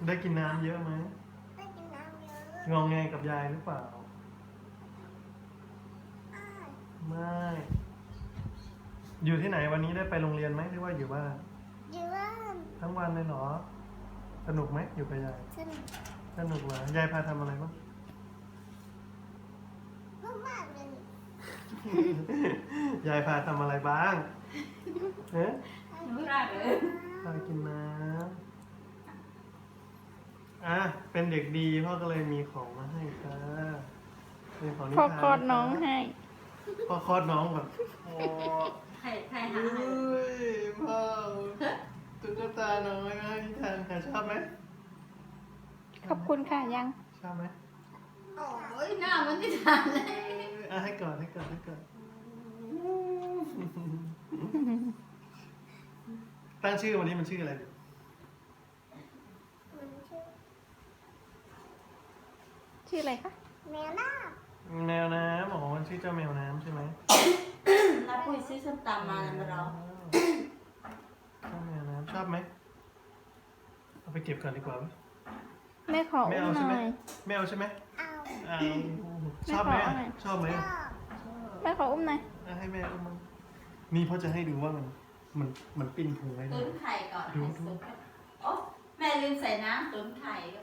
ได้กินน้ำเยอะไหมได้กินน้ำเยอะงองแงกับยายหรือเปล่าอ้ายไม่ อยู่ที่ไหนวันนี้ได้ไปโรงเรียนไหมหรือว่าอยู่บ้านอยู่บ้านทั้งวันเลยเหรอ สนุกไหมอยู่กับยายสนุกสนุกเหรอยายพาทำอะไรบ้างมากๆเลยยายพาทำอะไรบ้างเอ๊ะไม่ได้เลยพากินน้ำอ่ะเป็นเด็กดีพ่อก็เลยมีของมาให้ค่ะเป็นของนิพ่อทานคลอดน้องให้พ่อคลอดน้องแบบโอ้ใครหาเฮ้ยพ่อตุ๊กตาน้อยมาให้นิทานค่ะชอบไหมขอบคุณค่ะยังชอบไหมโอ้ยหน้ามันที่ทานเลยอ่ะให้ก่อนให้ก่อนให้ก่อนตั้งชื่อวันนี้มันชื่ออะไรดีมันชื่อชื่ออะไรคะแมวน้าแมวน้ำอ๋อมันชื่อเจ้าแมวน้ำใช่ไหมน้าปุ้ยซื้อส้มตำมาแล้วมาเราเจ้าแมวน้ำชอบไหมเอาไปเก็บก่อนดีกว่าไหมแม่ขอไม่อุ้มเอาหใช่ไหมน่อยไม่เอาใช่ไหมเอาเอาชอบไหมไม่ขอเอาหน่อยชอบไหมชอบแม่ขออุ้มหน่อยอ่ะให้แม่อุ้มมั้งนี่พ่อจะให้ดูว่ามันปิ้นพุงไว้ตุ๋ด้วยนไข่ก่อนให้สุกโอ้แม่ลืมใส่น้ำตุ๋นไข่